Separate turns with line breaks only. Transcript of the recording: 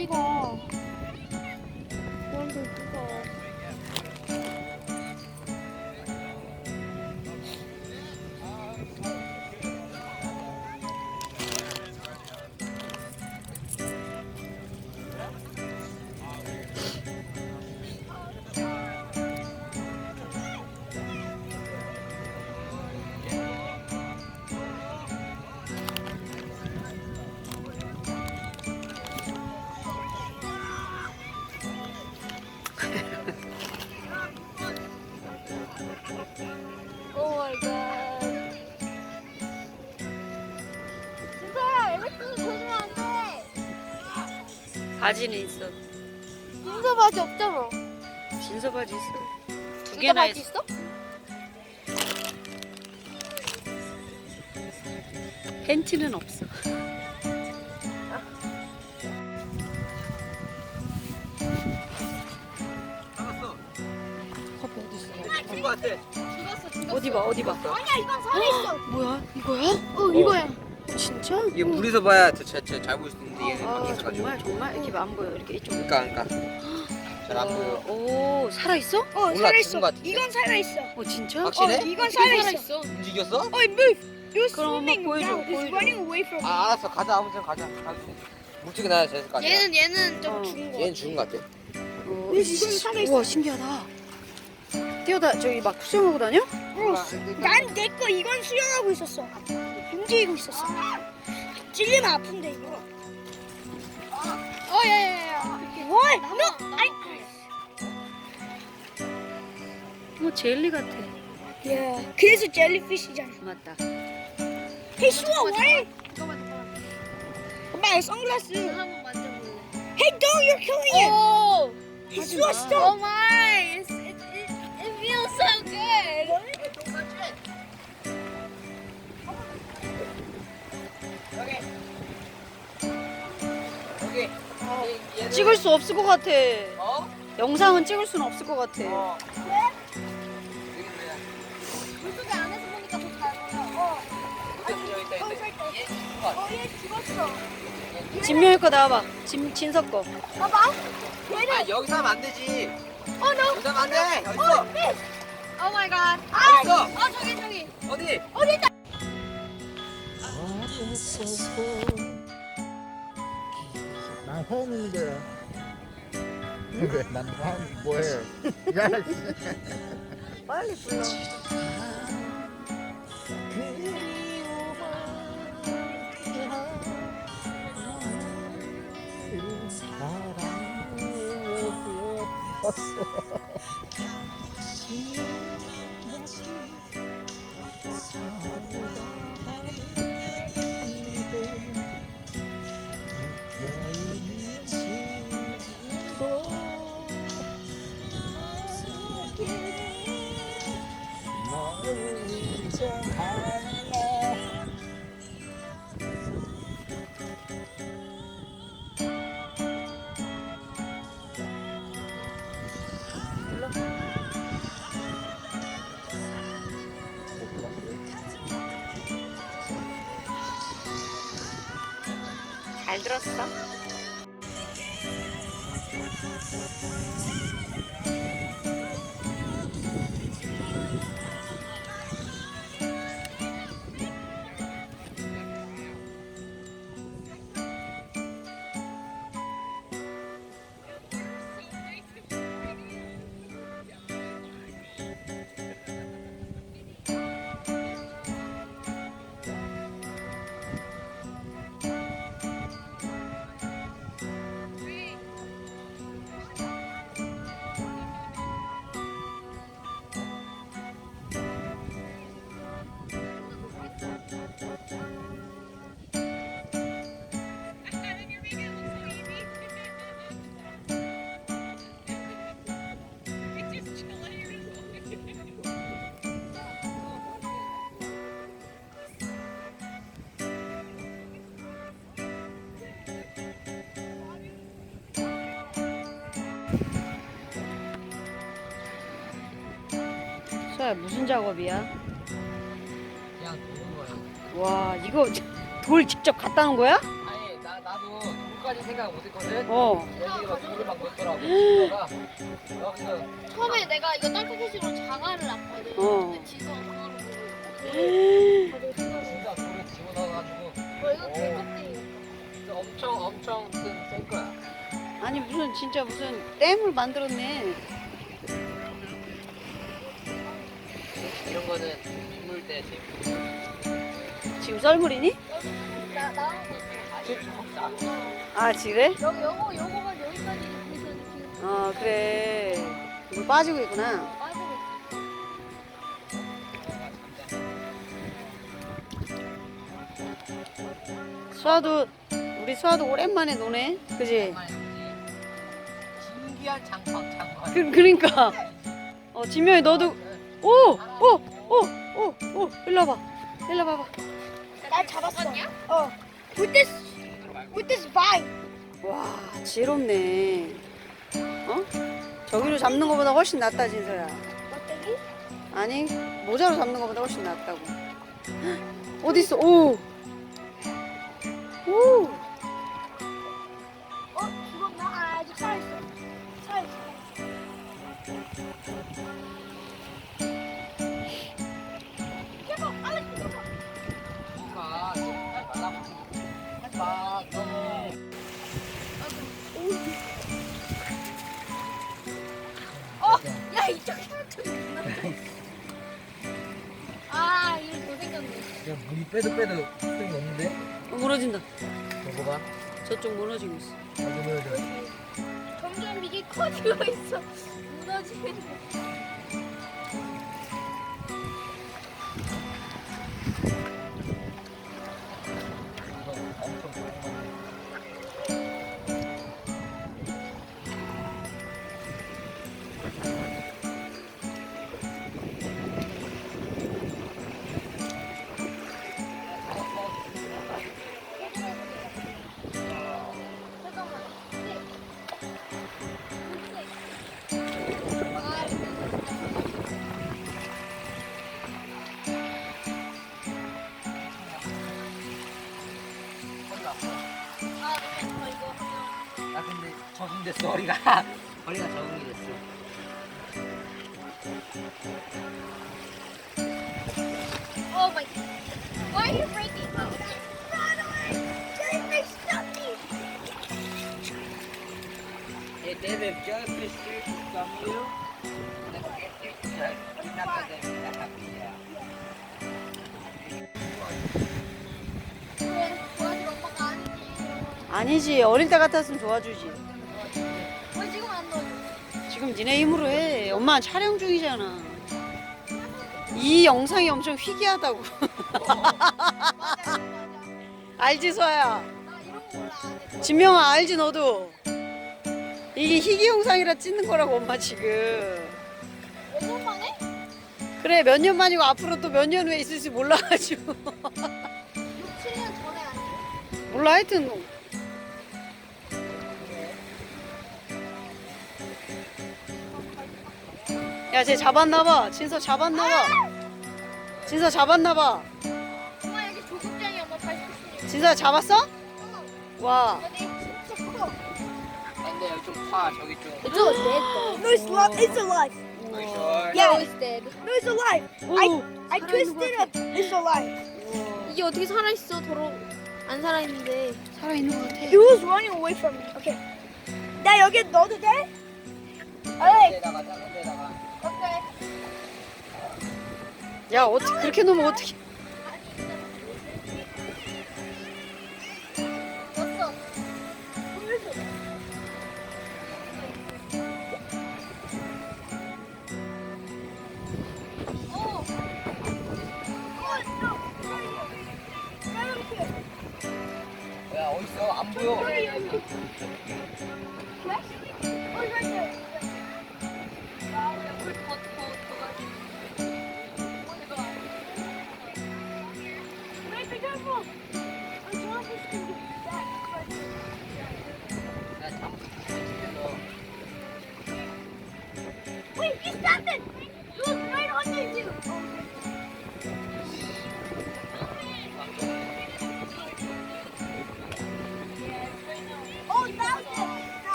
찍어. 그런데 찍어. 오 마이 갓. 진짜야, 엘렉트로 조심하면 안 돼.
바지는 있어.
진짜 바지 없잖아.
진서 바지 있어. 두
진짜
개나
바지
있어.
있어?
팬티는 없어.
잡았어.
커피 어디 있어?
죽은 거 같아.
죽었어.
어디 봐, 어디 봐.
아니야, 이건 살아있어.
뭐야? 이거야?
이거야.
진짜?
이게 물에서 봐야 잘 보일 수 있는데 얘는
아,
밖에 있어가지고.
정말 이렇게 안 보여. 이렇게 이쪽.
그러니까 잘 안 보여.
오, 살아 있어?
몰라, 죽은 거 같은데.
이건 살아있어.
진짜?
확실해?
이건 살아있어.
움직였어?
You're
그럼 한번
swimming
보여줘,
now. It's
보여줘.
running away from me.
아 알았어, 가자. 아무튼 가자. 물속에 나야 제일 가자.
얘는 좀
어.
죽은 거.
얘는 죽은 거 같아.
이건 살아있어.
우와, 신기하다. 뛰어다 저기 막 수영하고 다녀?
난 내 거 이건 수영하고 있었어. 움직이고 있었어. 찔리면 아픈데 이거. 야야야. 뭘? 너? 아이.
뭐 젤리 같아.
야, 그래서 젤리피쉬잖아.
맞다.
Hey, 수아, 왜? 엄마, 선글라스.
한번 만져볼래?
Hey, dog, you're killing it.
오!
Hey, 수아,
Oh
stop.
my! It feels so good!
여기.
찍을 수 없을 것 같아.
어?
영상은 찍을 수는 없을 것 같아.
어.
물속에 안에서 보니까 더 잘 보여.
얘 죽었어.
진명이 거 나와봐. 진석 거.
봐봐.
아 여기서 하면 안 되지.
어, 너.
여기서 하면 안 돼. 여기 있어.
Oh my god!
여기 있어.
저기!
어디?
난 홈인데 왜 나는 홈 뭐해? 야
빨리 불러. 잘 들었어? 수아야 무슨 작업이야?
그냥 도는 거야.
와 이거 돌 직접 갖다 놓은 거야?
아니 나도 이렇게까지 생각 못했거든.
어.
여기가 물을 막 넣더라고. 친구가 여기서
처음에 내가 이거 딸꾹해시로 자갈을 놨거든.
어.
근데 지수가 자갈을 보고
진짜 물을 집어넣어가지고
이거 개껍데기.
진짜 엄청 센 거야.
아니 무슨 진짜 무슨 댐을 만들었네.
이런 거는 물 때 재밌어.
지금 썰물이니?
나온 거.
아 그래?
요거만 여기까지 돼서 지금
어 그래. 물 빠지고 있구나.
빠지고
수아도 우리 수아도 오랜만에 노네. 그지?
신기한 장판.
그러니까. 진명이 너도 오 일로 와봐. 일로 와봐.
날 잡았어. 어. With this vine.
와 지혜롭네. 어? 저기로 잡는 것보다 훨씬 낫다 진서야.
껍데기?
아니 모자로 잡는 것보다 훨씬 낫다고. 어디 있어? 오.
죽었나? 아직 살아있어. 살아있어. 제발, 알렉스, 제발.
누가 좀 말라붙이고 해봐. 너무
야 이쪽에 아 이거 못생겼네.
야 물이 빼도 수익이 없는데?
무너진다.
먹어봐.
저쪽 무너지고 있어.
점점 이게 커지고 있어. 무너지는. 잠깐만.
아 근데 적응됐어 허리가. 허리가 적응이 됐어.
Oh my god. Why are you breaking?
They deve jellyfish from you.
왜 도와줄 엄마가 아니지?
아니지 어릴 때 같았으면 도와주지.
왜 지금 안 넣어줘?
지금 니네 힘으로 해. 엄마 촬영 중이잖아. 이 영상이 엄청 희귀하다고.
맞아.
알지 수아야?
나 이런 거 몰라. 안 해.
진명아 알지 너도? 이게 희귀 영상이라 찍는 거라고 엄마 지금.
몇 년 만에?
그래 몇 년 만이고 앞으로 또 몇 년 후에 있을지 몰라가지고.
6, 7년 전에 아니에요?
몰라 하여튼. 야 쟤 잡았나봐. 진서 잡았나봐. 진서 잡았나봐.
엄마 여기 조국장이 엄마 발톱이.
진서 잡았어? 와.
근데 진짜 커.
근데 여기 좀 파. 저기 좀.
It's all dead though.
No, it's alive.
Are you sure?
Yeah.
No, it's dead.
No, it's alive.
오.
I twisted it. It's alive.
이게 어떻게 살아있어? 더러 안 살아있는데.
살아있는 것 같아.
It was running away from me. Okay. 나 여기 넣어도 돼? Alright.
데다가 작은 데다가.
Okay.
야 어떻게 그렇게 놓으면 어떻게?
넣었어. 어.
야 어딨어? 안 보여.